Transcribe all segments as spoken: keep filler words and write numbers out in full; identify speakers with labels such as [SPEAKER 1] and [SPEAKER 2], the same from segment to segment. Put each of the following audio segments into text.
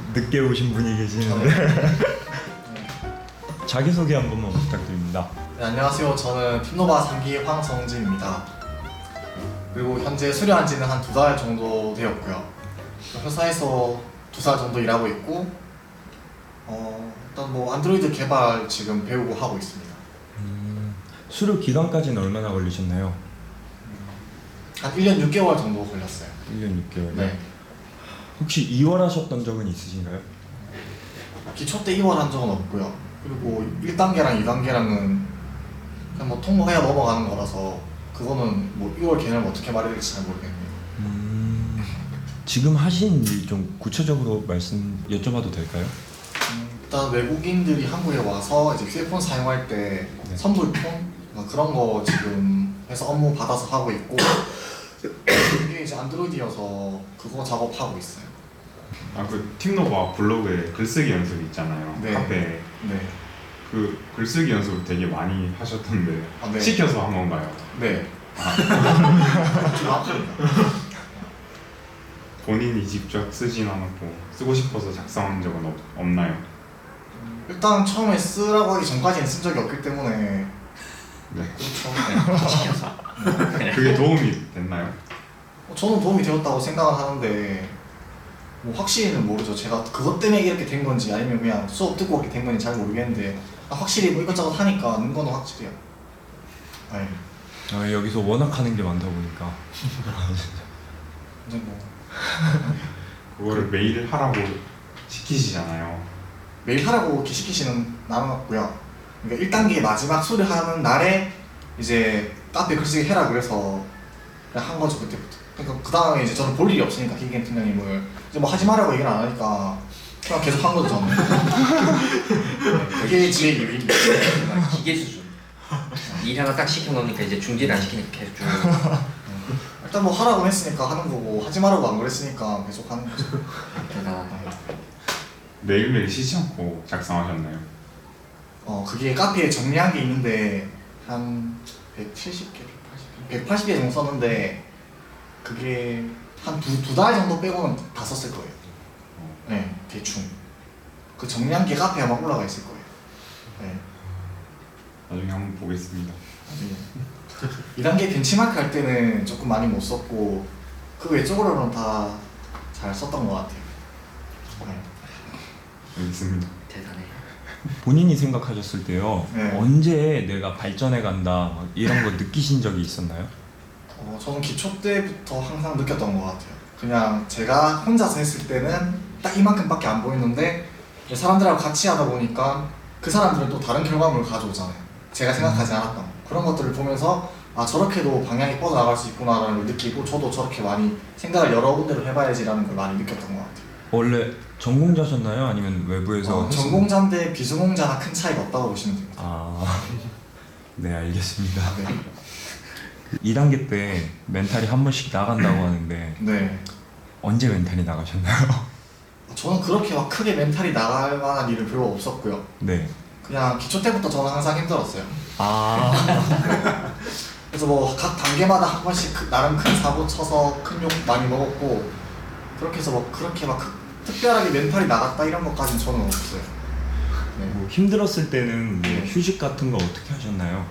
[SPEAKER 1] 늦게 오신 분이 계시는데 자기소개 한 번만 부탁드립니다.
[SPEAKER 2] 네, 안녕하세요. 저는 팀노바 삼 기 황성진입니다. 그리고 현재 수료한 지는 한 두 달 정도 되었고요. 회사에서 두 달 정도 일하고 있고 어, 일단 뭐 안드로이드 개발 지금 배우고 하고 있습니다.
[SPEAKER 1] 음, 수료 기간까지는 얼마나 걸리셨나요?
[SPEAKER 2] 한 일 년 육 개월 정도 걸렸어요.
[SPEAKER 1] 일 년 육 개월.
[SPEAKER 2] 네.
[SPEAKER 1] 혹시 이월하셨던 적은 있으신가요?
[SPEAKER 2] 기초 때 이월한 적은 없고요. 그리고 일 단계랑 이 단계랑은 그냥 뭐 통보해야 넘어가는 거라서 그거는 뭐 이월 개념 어떻게 말해야 될지 잘 모르겠네요.
[SPEAKER 1] 음, 지금 하신 일 좀 구체적으로 말씀 여쭤봐도 될까요?
[SPEAKER 2] 음, 일단 외국인들이 한국에 와서 이제 휴대폰 사용할 때
[SPEAKER 1] 네.
[SPEAKER 2] 선불폰 뭐 그런 거 지금 해서 업무 받아서 하고 있고 이게 이제 안드로이드여서 그거 작업하고 있어요.
[SPEAKER 3] 아 그 팀노바 블로그에 글쓰기 연습 있잖아요.
[SPEAKER 2] 네.
[SPEAKER 3] 카페
[SPEAKER 2] 네.
[SPEAKER 3] 그 글쓰기 연습 되게 많이 하셨던데
[SPEAKER 2] 아, 네.
[SPEAKER 3] 시켜서 한 건가요?
[SPEAKER 2] 네.
[SPEAKER 3] 아,
[SPEAKER 2] 정확합니다.
[SPEAKER 3] 본인이 직접 쓰진 않았고 쓰고 싶어서 작성한 적은 없, 없나요?
[SPEAKER 2] 일단 처음에 쓰라고 하기 전까지는 쓴 적이 없기 때문에
[SPEAKER 3] 네.
[SPEAKER 2] 그렇죠. 네.
[SPEAKER 3] 그게 도움이 됐나요?
[SPEAKER 2] 어, 저는 도움이 되었다고 생각을 하는데 뭐 확실히는 모르죠. 제가 그것 때문에 이렇게 된 건지 아니면 그냥 수업 듣고 그렇게 된 건지 잘 모르겠는데 아, 확실히 뭐 이것저것 하니까 는 거는 확실해요. 네.
[SPEAKER 1] 아, 여기서 워낙 하는 게 많다 보니까
[SPEAKER 2] 이제 뭐
[SPEAKER 3] 그거를 매일 하라고 시키시잖아요.
[SPEAKER 2] 매일 하라고 이렇게 시키시는 나는 없고요. 그러니까 일 단계 마지막 수료하는 날에 이제 카페 글쓰기 해라 그래서 그냥 한 거죠 그때부터. 그러니까 그 다음에 이제 저는 볼 일이 없으니까 김기현 팀장님을 이제 뭐 하지 말라고 얘기를 안 하니까 그냥 계속 한 거죠 저는. 네, 그게 제 일입니다.
[SPEAKER 4] 기계 수준. 일 하나 딱 시켜놓으니까 이제 중지를 안 시키니까 계속 쭉.
[SPEAKER 2] 일단 뭐 하라고 했으니까 하는 거고 하지 말라고 안 그랬으니까 계속 하는 거죠.
[SPEAKER 4] 대단하다.
[SPEAKER 3] 매일매일 쉬지 않고 작성하셨나요?
[SPEAKER 2] 어 그게 카페에 정리한 게 있는데 한 백칠십 개, 백팔십 개 정도 썼는데 그게 한 두 두 달 정도 빼고는 다 썼을 거예요. 네, 대충. 그 정리한 게 카페에 아마 올라가 있을 거예요. 네.
[SPEAKER 3] 나중에 한번 보겠습니다.
[SPEAKER 2] 이 단계 벤치마크 할 때는 조금 많이 못 썼고 그 외적으로는 다 잘 썼던 것 같아요. 네.
[SPEAKER 3] 알겠습니다.
[SPEAKER 4] 대단해.
[SPEAKER 1] 본인이 생각하셨을 때요,
[SPEAKER 2] 네.
[SPEAKER 1] 언제 내가 발전해 간다 막 이런 거 느끼신 적이 있었나요?
[SPEAKER 2] 어, 저는 기초 때부터 항상 느꼈던 것 같아요. 그냥 제가 혼자서 했을 때는 딱 이만큼밖에 안 보이는데 사람들하고 같이 하다 보니까 그 사람들은 또 다른 결과물을 가져오잖아요. 제가 생각하지 않았던 거. 그런 것들을 보면서 아 저렇게도 방향이 뻗어나갈 수 있구나라는 걸 느끼고 저도 저렇게 많이 생각을 여러 군데로 해봐야지라는 걸 많이 느꼈던 것 같아요.
[SPEAKER 1] 원래 전공자셨나요? 아니면 외부에서?
[SPEAKER 2] 어,
[SPEAKER 1] 했었-
[SPEAKER 2] 전공자인데 비전공자나 큰 차이가 없다고 보시면 됩니다.
[SPEAKER 1] 아, 네 알겠습니다.
[SPEAKER 2] 네.
[SPEAKER 1] 이 단계 때 멘탈이 한 번씩 나간다고 하는데
[SPEAKER 2] 네.
[SPEAKER 1] 언제 멘탈이 나가셨나요?
[SPEAKER 2] 저는 그렇게 막 크게 멘탈이 나갈 만한 일은 별로 없었고요.
[SPEAKER 1] 네.
[SPEAKER 2] 그냥 기초 때부터 저는 항상 힘들었어요.
[SPEAKER 1] 아,
[SPEAKER 2] 그래서 뭐 각 단계마다 한 번씩 그- 나름 큰 사고 쳐서 큰 욕 많이 먹었고 그렇게 해서 뭐 그렇게 막 크- 특별하게 멘탈이 나갔다 이런 것까지는 저는 없어요. 네.
[SPEAKER 1] 뭐 힘들었을 때는 뭐
[SPEAKER 2] 네.
[SPEAKER 1] 휴식 같은 거 어떻게 하셨나요?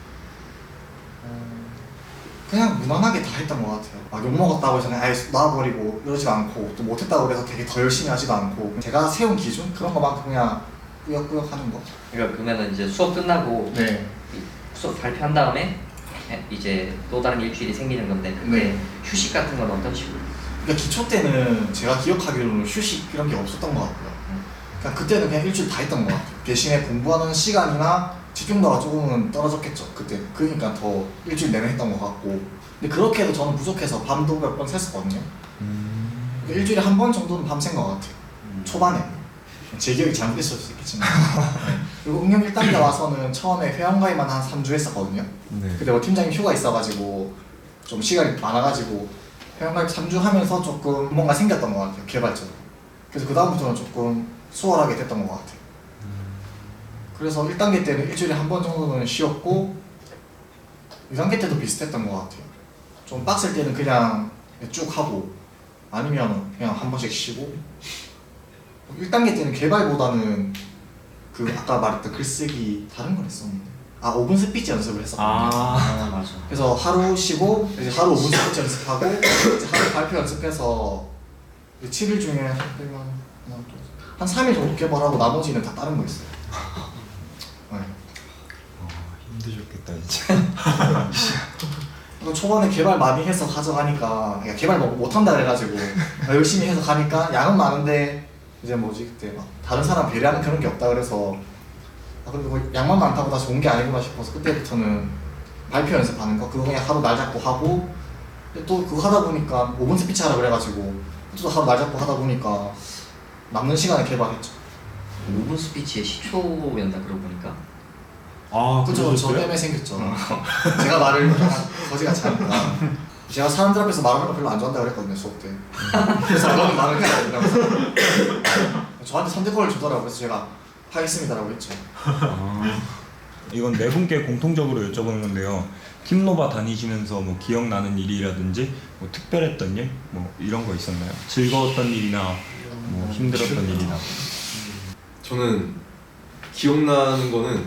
[SPEAKER 2] 어, 그냥 무난하게 다 했던 것 같아요. 막 욕먹었다고 해서 그냥 아예 놔버리고 이러지 않고 또 못했다고 해서 되게 더 열심히 하지도 않고 제가 세운 기준? 그런 것만큼 그냥 꾸역꾸역 하는 거.
[SPEAKER 4] 그러니까 그러면은 이제 수업 끝나고
[SPEAKER 2] 네.
[SPEAKER 4] 이 수업 발표한 다음에 이제 또 다른 일주일이 생기는 건데 그때
[SPEAKER 2] 네.
[SPEAKER 4] 휴식 같은 건 어떤 식으로?
[SPEAKER 2] 그러니까 기초 때는 제가 기억하기로는 휴식 이런 게 없었던 것 같고요. 그냥 그때는 그냥 일주일 다 했던 것 같아요. 대신에 공부하는 시간이나 집중도가 조금은 떨어졌겠죠. 그때 그러니까 더 일주일 내내 했던 것 같고. 근데 그렇게 해도 저는 부족해서 밤도 몇 번 샜었거든요.
[SPEAKER 1] 음...
[SPEAKER 2] 그러니까 일주일에 한 번 정도는 밤샌 것 같아요. 초반에. 제 기억이 잘못됐을 수도 있겠지만. 네. 그리고 응용 일 단계 와서는 처음에 회원가입만 한 삼 주 했었거든요.
[SPEAKER 1] 네.
[SPEAKER 2] 근데 뭐 팀장님 휴가 있어가지고 좀 시간이 많아가지고 회원가입 삼 주 하면서 조금 뭔가 생겼던 것 같아요. 개발적으로. 그래서 그 다음부터는 조금 수월하게 됐던 것 같아요. 그래서 일 단계 때는 일주일에 한 번 정도는 쉬었고 이 단계 때도 비슷했던 것 같아요. 좀 빡셀 때는 그냥 쭉 하고 아니면 그냥 한 번씩 쉬고 일 단계 때는 개발보다는 그 아까 말했던 글쓰기 다른 걸 했었는데 아 오 분 스피치 연습을 했었거든요.
[SPEAKER 4] 아 맞아.
[SPEAKER 2] 그래서 하루 쉬고 이제 하루 오 분 스피치 연습하고 이제 하루 발표 연습해서 칠 일 중에 한 한 삼 일 정도 개발하고 나머지는 다 다른 거 있어요. 네.
[SPEAKER 1] 어, 힘드셨겠다 진짜.
[SPEAKER 2] 또 초반에 개발 많이 해서 가져가니까 그러니까 개발 뭐 못한다 그래가지고 열심히 해서 가니까 양은 많은데 이제 뭐지 그때 막 다른 사람 배려하는 그런 게 없다 그래서 아 근데 뭐 양만 많다고 다 좋은 게 아니구나 싶어서 그때부터는 발표 연습하는 거 그거 그냥 하루 날 잡고 하고 또 그거 하다 보니까 오 분 스피치 하라 그래가지고 또 하루 날 잡고 하다 보니까 남는 시간에 개발했죠.
[SPEAKER 4] 오 분 스피치에 십 초였나 그러고 보니까.
[SPEAKER 5] 아
[SPEAKER 2] 그죠, 저
[SPEAKER 5] 그러셨어요?
[SPEAKER 2] 때문에 생겼죠. 제가 말을 거지같이 하니까 제가 사람들 앞에서 말하는 거 별로 안 좋아한다 그랬거든요 수업 때. 그래서 저는 말을 해야 된다면서 저한테 선택권을 주더라고요. 그래서 제가 하겠습니다라고 했죠.
[SPEAKER 1] 아, 이건 네 분께 공통적으로 여쭤보는 건데요. 팀노바 다니시면서 뭐 기억나는 일이라든지 뭐 특별했던 일, 뭐 이런 거 있었나요? 즐거웠던 일이나 뭐 힘들었던 일이나.
[SPEAKER 5] 저는 기억나는 거는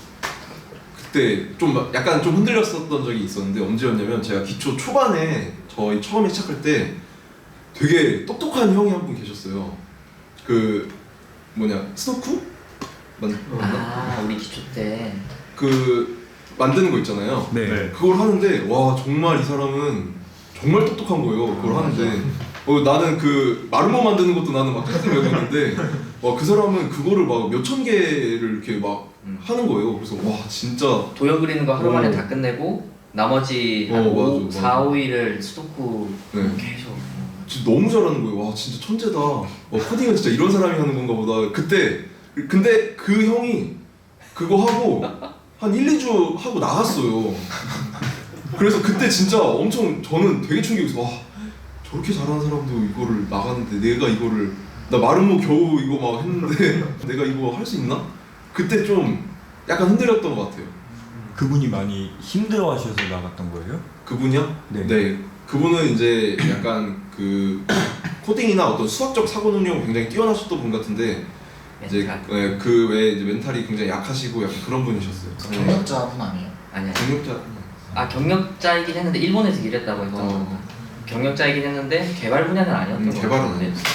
[SPEAKER 5] 그때 좀 막 약간 좀 흔들렸었던 적이 있었는데 언제였냐면 제가 기초 초반에 저희 처음에 시작할 때 되게 똑똑한 형이 한 분 계셨어요. 그 뭐냐 스노쿠? 맞, 맞나?
[SPEAKER 4] 아 우리 기초 때.
[SPEAKER 5] 그 만드는 거 있잖아요.
[SPEAKER 1] 네.
[SPEAKER 3] 네.
[SPEAKER 5] 그걸 하는데 와 정말 이 사람은 정말 똑똑한 거예요. 그걸 하는데 어, 나는 그 마르모 만드는 것도 나는 막 tex트 외우고 있는데 와 그 사람은 그거를 막 몇천 개를 이렇게 막
[SPEAKER 4] 음.
[SPEAKER 5] 하는 거예요. 그래서 와 진짜
[SPEAKER 4] 도형 그리는 거 하루 만에
[SPEAKER 5] 어.
[SPEAKER 4] 다 끝내고 나머지
[SPEAKER 5] 어,
[SPEAKER 4] 한 오,
[SPEAKER 5] 맞아, 맞아.
[SPEAKER 4] 사, 오 일을 스토쿠
[SPEAKER 5] 네.
[SPEAKER 4] 계속.
[SPEAKER 5] 진짜 너무 잘하는 거예요. 와 진짜 천재다. 와 코딩은 진짜 이런 사람이 하는 건가 보다. 그때 근데 그 형이 그거 하고 한 일, 이 주 하고 나갔어요. 그래서 그때 진짜 엄청 저는 되게 충격이었어. 와 저렇게 잘하는 사람도 이거를 나가는데 내가 이거를 나 마름모 겨우 이거 막 했는데 내가 이거 할 수 있나? 그때 좀 약간 흔들렸던 것 같아요.
[SPEAKER 1] 그분이 많이 힘들어하셔서 나갔던 거예요?
[SPEAKER 5] 그분이요?
[SPEAKER 1] 네.
[SPEAKER 5] 그분은 이제 약간 그 코딩이나 어떤 수학적 사고 능력이 굉장히 뛰어나셨던 분 같은데 이제
[SPEAKER 4] 멘탈.
[SPEAKER 5] 네, 그 외에 이제 멘탈이 굉장히 약하시고 약간 그런 분이셨어요.
[SPEAKER 2] 경력자분 아니에요?
[SPEAKER 4] 아니야.
[SPEAKER 5] 경력자.
[SPEAKER 4] 아 경력자이긴 했는데 일본에서 일했다고 했던 거.
[SPEAKER 5] 어.
[SPEAKER 4] 경력자이긴 했는데 개발 분야는 아니었던
[SPEAKER 5] 음,
[SPEAKER 4] 것
[SPEAKER 5] 개발은
[SPEAKER 4] 같은데.
[SPEAKER 5] 아니었어.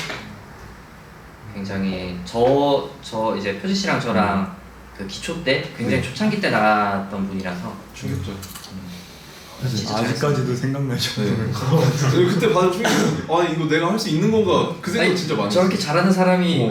[SPEAKER 4] 굉장히 저 저 이제 표지 씨랑 저랑 그 기초 때 굉장히
[SPEAKER 5] 네.
[SPEAKER 4] 초창기 때 나갔던 분이라서
[SPEAKER 5] 충격자.
[SPEAKER 4] 진짜
[SPEAKER 1] 아직까지도 생각나죠.
[SPEAKER 5] 네. 저는 그때 받은 충격이 아 이거 내가 할 수 있는 건가 그 생각
[SPEAKER 4] 아니,
[SPEAKER 5] 진짜 많이
[SPEAKER 4] 저렇게
[SPEAKER 5] 했어요.
[SPEAKER 4] 잘하는 사람이
[SPEAKER 5] 어.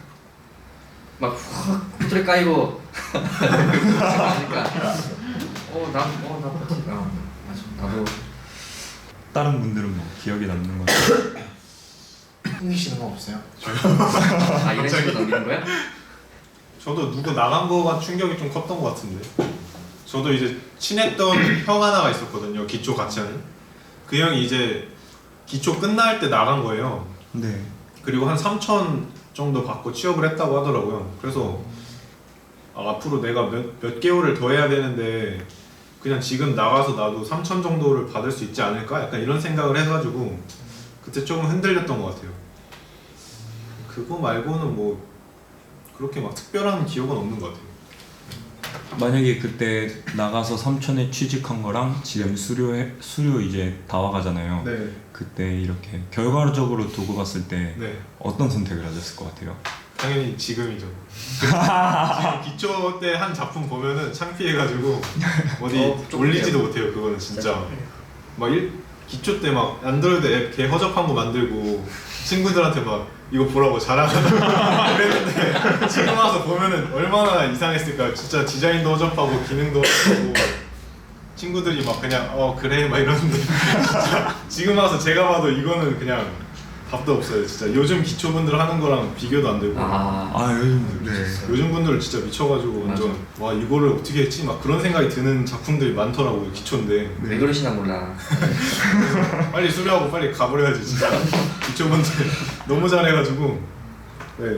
[SPEAKER 4] 막확 후드를 까이고 그러니까 어나어나 어, 맞아 나도
[SPEAKER 1] 다른 분들은 뭐 기억에 남는 거.
[SPEAKER 2] 흥미 씨는 거 없어요?
[SPEAKER 4] 아 이런 식으로 넘기는 거야?
[SPEAKER 6] 저도 누구 나간 거가 충격이 좀 컸던 것 같은데 저도 이제 친했던 형 하나가 있었거든요. 기초 같이 하는 그 형이 이제 기초 끝날 때 나간 거예요.
[SPEAKER 1] 네.
[SPEAKER 6] 그리고 한 삼천 정도 받고 취업을 했다고 하더라고요. 그래서 아, 앞으로 내가 몇, 몇 개월을 더 해야 되는데 그냥 지금 나가서 나도 삼천 정도를 받을 수 있지 않을까? 약간 이런 생각을 해가지고 그때 조금 흔들렸던 것 같아요. 그거 말고는 뭐 그렇게 막 특별한 기억은 없는 것 같아요.
[SPEAKER 1] 만약에 그때 나가서 삼천에 취직한 거랑 지금 수료해 수료 이제 다 와가잖아요.
[SPEAKER 6] 네.
[SPEAKER 1] 그때 이렇게 결과적으로 두고 봤을 때
[SPEAKER 6] 네.
[SPEAKER 1] 어떤 선택을 하셨을 것 같아요?
[SPEAKER 6] 당연히 지금이죠. 지금 기초 때 한 작품 보면은 창피해가지고 어디
[SPEAKER 4] 어, 좀
[SPEAKER 6] 올리지도
[SPEAKER 4] 그래요.
[SPEAKER 6] 못해요. 그거는 진짜 막 일, 기초 때 막 안드로이드 앱 개 허접한 거 만들고 친구들한테 막 이거 보라고 자랑하고 그랬는데 지금 와서 보면은 얼마나 이상했을까. 진짜 디자인도 허접하고 기능도 허접하고 친구들이 막 그냥 어 그래 막 이러는데 진짜 지금 와서 제가 봐도 이거는 그냥 답도 없어요. 진짜 요즘 기초분들 하는 거랑 비교도 안 되고
[SPEAKER 4] 아,
[SPEAKER 1] 아 요즘 네.
[SPEAKER 6] 요즘 분들 진짜 미쳐가지고 완전 와 이거를 어떻게 했지 막 그런 생각이 드는 작품들이 많더라고요. 기초인데
[SPEAKER 4] 왜 그러시나 몰라.
[SPEAKER 6] 빨리 수료하고 빨리 가버려야지 진짜. 기초분들 너무 잘해가지고 네.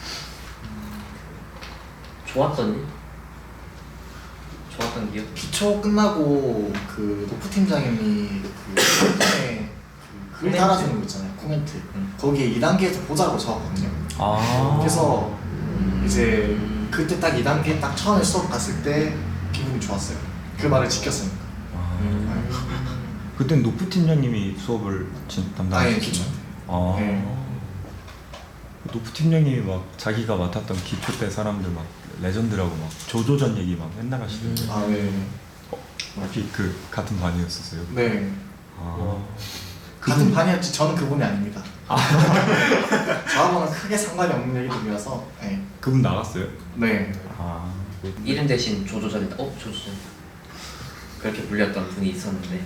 [SPEAKER 4] 좋았던 일? 좋았던 기억?
[SPEAKER 2] 기초 끝나고 그 노프 팀장님이 그 처음에 글
[SPEAKER 4] 코멘트?
[SPEAKER 2] 달아주는 거 있잖아요. 코멘트.
[SPEAKER 4] 음.
[SPEAKER 2] 거기에 이 단계에서 보자고 적었거든요.
[SPEAKER 1] 아.
[SPEAKER 2] 그래서 이제 그때 딱 이 단계 딱 처음에 수업 갔을 때 기분이 좋았어요. 그 말을 지켰으니까.
[SPEAKER 1] 아. 그땐 노프 팀장님이 수업을 진-
[SPEAKER 2] 아예
[SPEAKER 1] 담당하셨어요.
[SPEAKER 2] 기초.
[SPEAKER 1] 아.
[SPEAKER 2] 네.
[SPEAKER 1] 노프 팀장님이 막 자기가 맡았던 기초 때 사람들 막 레전드라고 막 조조전 얘기 막 맨날 하시던데.
[SPEAKER 2] 아 네.
[SPEAKER 1] 혹시 그 같은 반이었었어요?
[SPEAKER 2] 네.
[SPEAKER 1] 아.
[SPEAKER 2] 같은 반이었지 저는 그분이 아닙니다. 저하고는 크게 상관이 없는 얘기들이라서. 네.
[SPEAKER 1] 그분 나갔어요?
[SPEAKER 2] 네.
[SPEAKER 1] 아.
[SPEAKER 4] 이름 대신 조조전이다. 어 조조전. 그렇게 불렸던 분이 있었는데.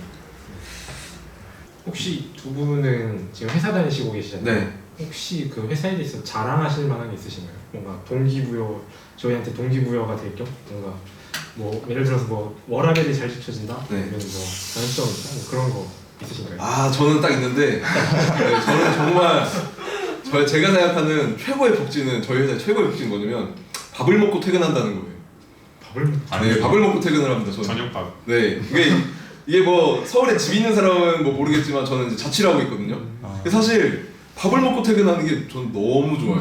[SPEAKER 7] 혹시 두 분은 지금 회사 다니시고 계시잖아요.
[SPEAKER 5] 네.
[SPEAKER 7] 혹시 그 회사에 대해서 자랑하실 만한 게 있으신가요? 뭔가 동기부여, 저희한테 동기부여가 될 겸 뭔가 뭐 예를 들어서 뭐 워라밸이 잘 지켜진다,
[SPEAKER 5] 네.
[SPEAKER 7] 아니면 뭐 전점이 있다, 뭐 그런 거 있으신가요?
[SPEAKER 5] 아 저는 딱 있는데 네, 저는 정말 저 제가 생각하는 최고의 복지는 저희 회사의 최고의 복지는 뭐냐면 밥을 먹고 퇴근한다는 거예요.
[SPEAKER 7] 밥을 먹-
[SPEAKER 5] 네, 밥을 먹고 퇴근을 합니다. 저는.
[SPEAKER 3] 저녁밥.
[SPEAKER 5] 네, 이게 이게 뭐 서울에 집 있는 사람은 뭐 모르겠지만 저는 이제 자취를 하고 있거든요.
[SPEAKER 1] 아.
[SPEAKER 5] 근데 사실 밥을 먹고 퇴근하는 게 저는 너무 좋아요.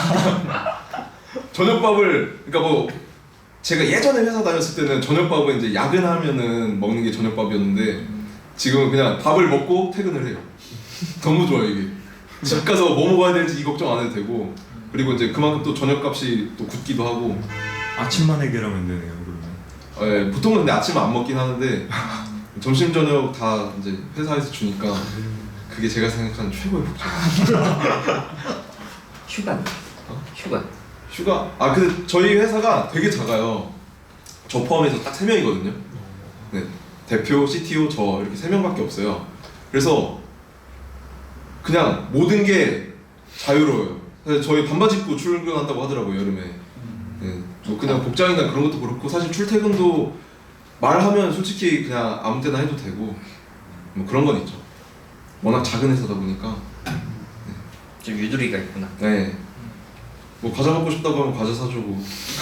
[SPEAKER 5] 저녁밥을 그러니까 뭐 제가 예전에 회사 다녔을 때는 저녁밥은 이제 야근하면은 먹는 게 저녁밥이었는데 지금은 그냥 밥을 먹고 퇴근을 해요. 너무 좋아요 이게. 집 가서 뭐 먹어야 될지 이 걱정 안 해도 되고 그리고 이제 그만큼 또 저녁값이 또 굳기도 하고.
[SPEAKER 1] 아침만 해결하면 되네요, 그러면.
[SPEAKER 5] 예, 보통은 근데 아침 안 먹긴 하는데 점심 저녁 다 이제 회사에서 주니까 그게 제가 생각하는 최고의 복지예요.
[SPEAKER 4] 휴가. 휴가.
[SPEAKER 5] 휴가 아 근데 저희 회사가 되게 작아요. 저 포함해서 딱 세 명이거든요. 네, 대표, 씨티오 저 이렇게 세 명밖에 없어요. 그래서 그냥 모든 게 자유로워요. 사실 저희 반바지 입고 출근한다고 하더라고요 여름에. 네, 뭐 그냥 복장이나 그런 것도 그렇고 사실 출퇴근도 말하면 솔직히 그냥 아무 때나 해도 되고 뭐 그런 건 있죠. 워낙 작은 회사다 보니까.
[SPEAKER 4] 좀 유두리가 있구나.
[SPEAKER 5] 네. 뭐 과자 먹고 싶다고 하면 과자 사주고.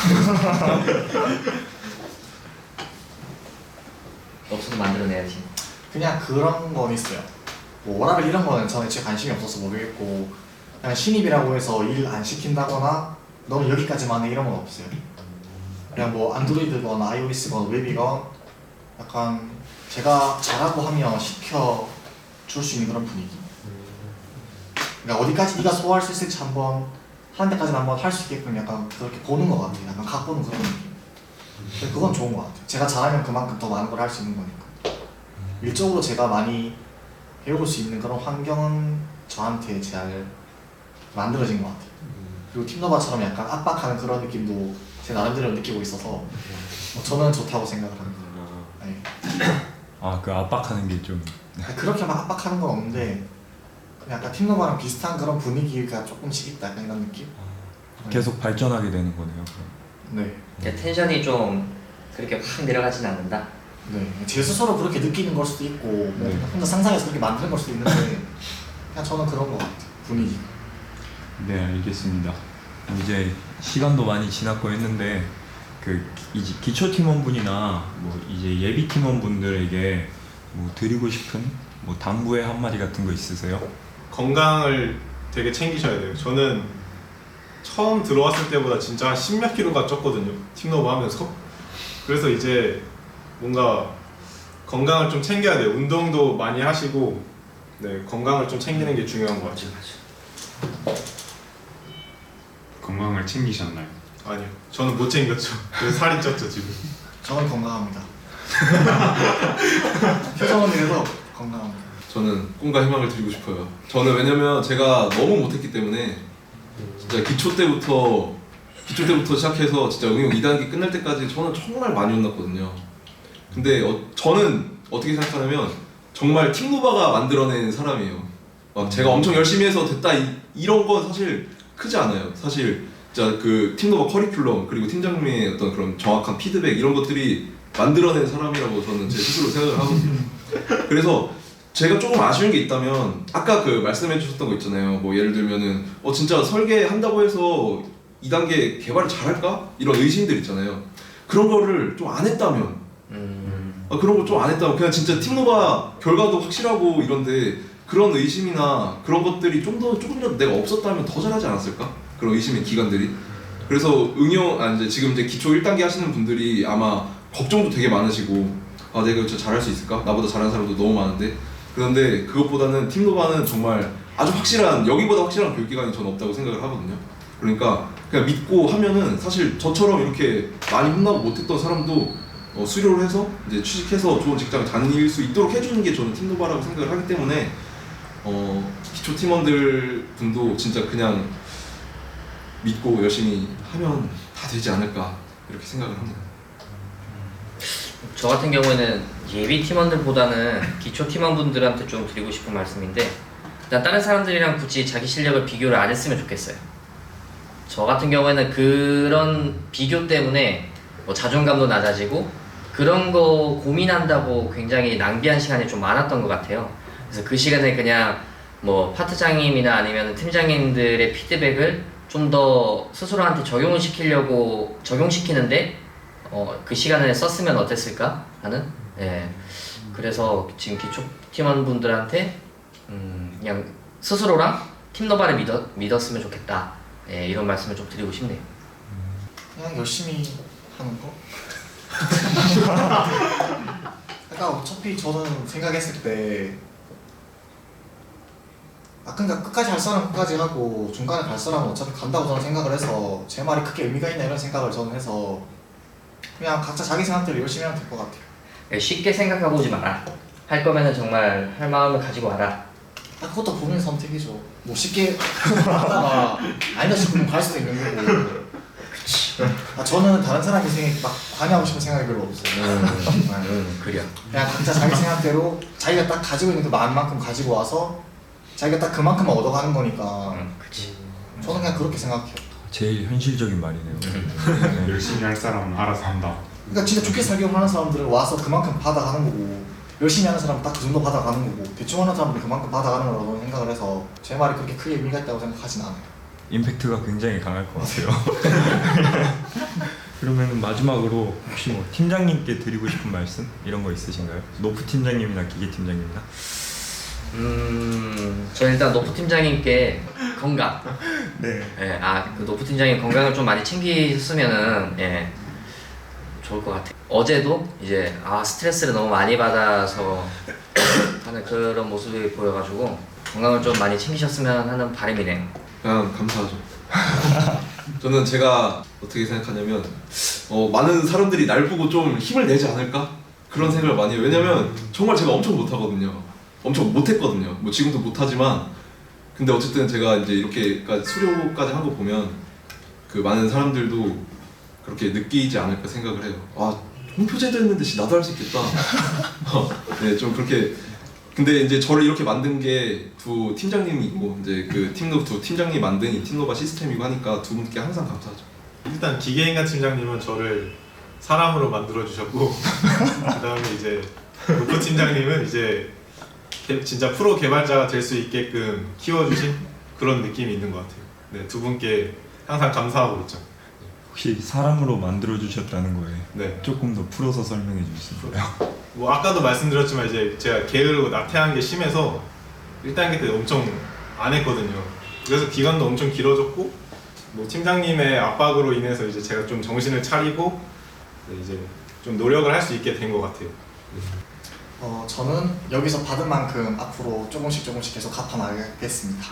[SPEAKER 4] 없어도 만들어내야지.
[SPEAKER 2] 그냥 그런 건 있어요. 뭐 워라밸 이런 거는 저는 진짜 관심이 없어서 모르겠고 그냥 신입이라고 해서 일 안 시킨다거나 너는 여기까지만 해 이런 건 없어요. 그냥 뭐 안드로이드건 아이오에스건 웹이건 약간 제가 잘하고 하면 시켜 줄 수 있는 그런 분위기. 그러니까 어디까지 네가 소화할 수 있을지 한번 하는 데까지는 한번 할 수 있게끔 약간 그렇게 보는 것 같아요. 약간 각보는 그런 느낌. 근데 그건 좋은 것 같아요. 제가 잘하면 그만큼 더 많은 걸 할 수 있는 거니까. 일적으로 제가 많이 배울 수 있는 그런 환경은 저한테 잘 만들어진 것 같아요. 그리고 팀노바처럼 약간 압박하는 그런 느낌도 제 나름대로 느끼고 있어서 뭐 저는 좋다고 생각을 합니다. 네.
[SPEAKER 1] 아, 그 압박하는 게 좀.
[SPEAKER 2] 그렇게 막 압박하는 건 없는데 그냥 약간 팀노바랑 비슷한 그런 분위기가 조금씩 있다 약간 이런 느낌?
[SPEAKER 1] 계속 발전하게 되는 거네요. 그럼.
[SPEAKER 2] 네.
[SPEAKER 4] 그러니까 텐션이 좀 그렇게 확 내려가진 않는다.
[SPEAKER 2] 네. 제 스스로 그렇게 느끼는 걸 수도 있고 뭐
[SPEAKER 1] 네.
[SPEAKER 2] 혼자 상상해서 그렇게 만드는 걸 수도 있는데 그냥 저는 그런 것 같아요. 분위기.
[SPEAKER 1] 네, 알겠습니다. 이제 시간도 많이 지났고 했는데 그 이제 기초 팀원분이나 뭐 이제 예비 팀원분들에게 뭐 드리고 싶은 뭐 당부의 한마디 같은 거 있으세요?
[SPEAKER 6] 건강을 되게 챙기셔야 돼요. 저는 처음 들어왔을 때보다 진짜 한 십몇 킬로가 쪘거든요. 팀노브 하면서. 그래서 이제 뭔가 건강을 좀 챙겨야 돼요. 운동도 많이 하시고 네, 건강을 좀 챙기는 게 중요한 것 같아요.
[SPEAKER 3] 건강을 챙기셨나요?
[SPEAKER 6] 아니요. 저는 못 챙겼죠. 그래서 살이 쪘죠 지금.
[SPEAKER 2] 저는 건강합니다. 표정은 이래도 건강합니다.
[SPEAKER 5] 저는 꿈과 희망을 드리고 싶어요. 저는 왜냐면 제가 너무 못했기 때문에 진짜 기초 때부터 기초 때부터 시작해서 진짜 응용 이 단계 끝날 때까지 저는 정말 많이 혼났거든요. 근데 어, 저는 어떻게 생각하냐면 정말 팀노바가 만들어낸 사람이에요. 막 제가 엄청 열심히 해서 됐다 이, 이런 건 사실 크지 않아요. 사실 진짜 그 팀노바 커리큘럼 그리고 팀장님의 어떤 그런 정확한 피드백 이런 것들이 만들어낸 사람이라고 저는 제 스스로 생각을 하거든요. 그래서 제가 조금 아쉬운 게 있다면 아까 그 말씀해 주셨던 거 있잖아요. 뭐 예를 들면은 어 진짜 설계한다고 해서 이 단계 개발을 잘할까? 이런 의심들 있잖아요. 그런 거를 좀 안 했다면
[SPEAKER 4] 음.
[SPEAKER 5] 아, 그런 거 좀 안 했다면 그냥 진짜 팀노바 결과도 확실하고 이런데 그런 의심이나 그런 것들이 좀 더 조금이라도 내가 없었다면 더 잘하지 않았을까? 그런 의심의 기관들이. 그래서 응용 아 이제 지금 이제 기초 일 단계 하시는 분들이 아마 걱정도 되게 많으시고 아 내가 진짜 잘할 수 있을까? 나보다 잘하는 사람도 너무 많은데. 그런데 그것보다는 팀노바는 정말 아주 확실한 여기보다 확실한 교육기관이 저는 없다고 생각을 하거든요. 그러니까 그냥 믿고 하면은 사실 저처럼 이렇게 많이 혼나고 못했던 사람도 어, 수료를 해서 이제 취직해서 좋은 직장을 다닐 수 있도록 해주는 게 저는 팀노바라고 생각을 하기 때문에 어, 기초 팀원들 분도 진짜 그냥 믿고 열심히 하면 다 되지 않을까 이렇게 생각을 합니다.
[SPEAKER 4] 저 같은 경우에는 예비 팀원들보다는 기초 팀원분들한테 좀 드리고 싶은 말씀인데 일단 다른 사람들이랑 굳이 자기 실력을 비교를 안 했으면 좋겠어요. 저 같은 경우에는 그런 비교 때문에 뭐 자존감도 낮아지고 그런 거 고민한다고 굉장히 낭비한 시간이 좀 많았던 것 같아요. 그래서 그 시간에 그냥 뭐 파트장님이나 아니면 팀장님들의 피드백을 좀 더 스스로한테 적용을 시키려고 적용시키는데 어, 그 시간을 썼으면 어땠을까 하는. 예. 그래서 지금 기초 팀원분들한테 음, 그냥 스스로랑 팀노바를 믿어, 믿었으면 좋겠다. 예, 이런 말씀을 좀 드리고 싶네요.
[SPEAKER 2] 그냥 열심히 하는 거. 그러니까 어차피 저는 생각했을 때 아 그러니까 끝까지 할 사람 끝까지 하고 중간에 갈 사람은 어차피 간다고 저는 생각을 해서 제 말이 크게 의미가 있나 이런 생각을 저는 해서 그냥 각자 자기 생각대로 열심히 하면 될 것 같아요.
[SPEAKER 4] 예, 쉽게 생각하고 오지 마라. 할 거면은 정말 할 마음을 가지고 와라.
[SPEAKER 2] 아 그것도 본인 선택이죠. 뭐 쉽게 하다가 아니다 싶으면 갈 수도 있는 거고. 아 저는 다른 사람 인생에 막 관여하고 싶은 생각이 별로 없어요. 네.
[SPEAKER 4] 음, 그래.
[SPEAKER 2] 그냥 각자 자기 생각대로 자기가 딱 가지고 있는 그 마음만큼 가지고 와서 자기가 딱 그만큼만 얻어가는 거니까
[SPEAKER 4] 음, 그치.
[SPEAKER 2] 저는 그냥 그렇게 생각해요.
[SPEAKER 1] 제일 현실적인 말이네요. 네.
[SPEAKER 3] 열심히 할 사람은 알아서 한다.
[SPEAKER 2] 그러니까 진짜 좋게 살려고 하는 사람들은 와서 그만큼 받아가는 거고 열심히 하는 사람은 딱 그 정도 받아가는 거고 대충 하는 사람들은 그만큼 받아가는 거라고 생각을 해서 제 말이 그렇게 크게 의미가 있다고 생각하진 않아요.
[SPEAKER 1] 임팩트가 굉장히 강할 것 같아요. 그러면 마지막으로 혹시 뭐 팀장님께 드리고 싶은 말씀 이런 거 있으신가요? 노프 팀장님이나 기계 팀장님이나?
[SPEAKER 4] 음, 저 일단 노프 팀장님께 건강.
[SPEAKER 1] 네.
[SPEAKER 4] 예, 아, 그 노프 팀장님 건강을 좀 많이 챙기셨으면은 예, 좋을 것 같아요. 어제도 이제 아 스트레스를 너무 많이 받아서 하는 그런 모습이 보여가지고 건강을 좀 많이 챙기셨으면 하는 바람이네요.
[SPEAKER 5] 그냥 감사하죠. 저는 제가 어떻게 생각하냐면 어, 많은 사람들이 날 보고 좀 힘을 내지 않을까? 그런 생각을 많이 해요. 왜냐면 정말 제가 엄청 못하거든요. 엄청 못했거든요. 뭐 지금도 못하지만 근데 어쨌든 제가 이제 이렇게까지 수료까지 한 거 보면 그 많은 사람들도 그렇게 느끼지 않을까 생각을 해요. 아 홍표제도 했는데 씨, 나도 할 수 있겠다. 네, 좀 그렇게. 근데 이제 저를 이렇게 만든 게 두 팀장님이고 이제 그 팀노 두 팀장님 만든 이 팀노바 시스템이고 하니까 두 분께 항상 감사하죠.
[SPEAKER 6] 일단 기계인간 팀장님은 저를 사람으로 만들어 주셨고 그다음에 이제 노프 팀장님은 이제 개, 진짜 프로 개발자가 될 수 있게끔 키워주신 그런 느낌이 있는 것 같아요. 네, 두 분께 항상 감사하고 있죠.
[SPEAKER 1] 혹시 사람으로 만들어 주셨다는 거에
[SPEAKER 6] 네.
[SPEAKER 1] 조금 더 풀어서 설명해 주실 수 있나요?
[SPEAKER 6] 뭐 아까도 말씀드렸지만 이제 제가 게으르고 나태한 게 심해서 일 단계 때 엄청 안 했거든요. 그래서 기간도 엄청 길어졌고 뭐 팀장님의 압박으로 인해서 이제 제가 좀 정신을 차리고 이제 좀 노력을 할 수 있게 된 것 같아요.
[SPEAKER 2] 어 저는 여기서 받은 만큼 앞으로 조금씩 조금씩 계속 갚아나가겠습니다.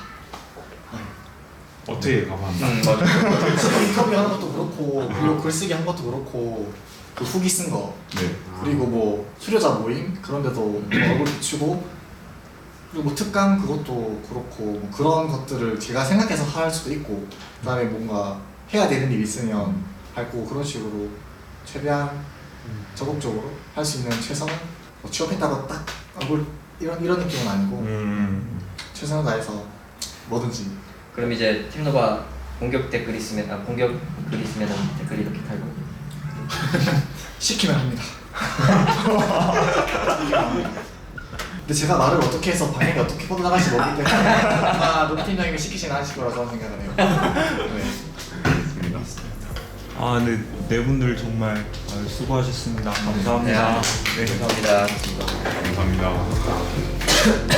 [SPEAKER 3] 어떻게 가봤나?
[SPEAKER 4] 음, 맞아.
[SPEAKER 2] 인터뷰 하는 것도 그렇고 그리고 글쓰기 한 것도 그렇고 그 후기 쓴 거
[SPEAKER 1] 네.
[SPEAKER 2] 그리고 뭐 수료자 모임 그런 데도 뭐 얼굴 비추고 그리고 뭐 특강 그것도 그렇고 뭐 그런 것들을 제가 생각해서 할 수도 있고 그다음에 뭔가 해야 되는 일 있으면 밟고 그런 식으로 최대한 적극적으로 할 수 있는 최선을 뭐 취업했다고 딱 얼굴 이런 이런 느낌은 아니고
[SPEAKER 1] 음.
[SPEAKER 2] 최선을 다해서 뭐든지
[SPEAKER 4] 그럼 이제 팀노바 공격 댓글 있으면 아 공격 글 있으면 댓글 이렇게 달고.
[SPEAKER 2] 시키면 합니다. 근데 제가 말을 어떻게 해서 방향이 어떻게 뻗어나갈지 모르기 때문에 아마 노트 팀장님이 시키지는 않으실 거라 저는 생각을 해요. 네.
[SPEAKER 1] 아, 네, 네 분들 정말 아, 수고하셨습니다. 감사합니다.
[SPEAKER 4] 네, 감사합니다.
[SPEAKER 3] 감사합니다.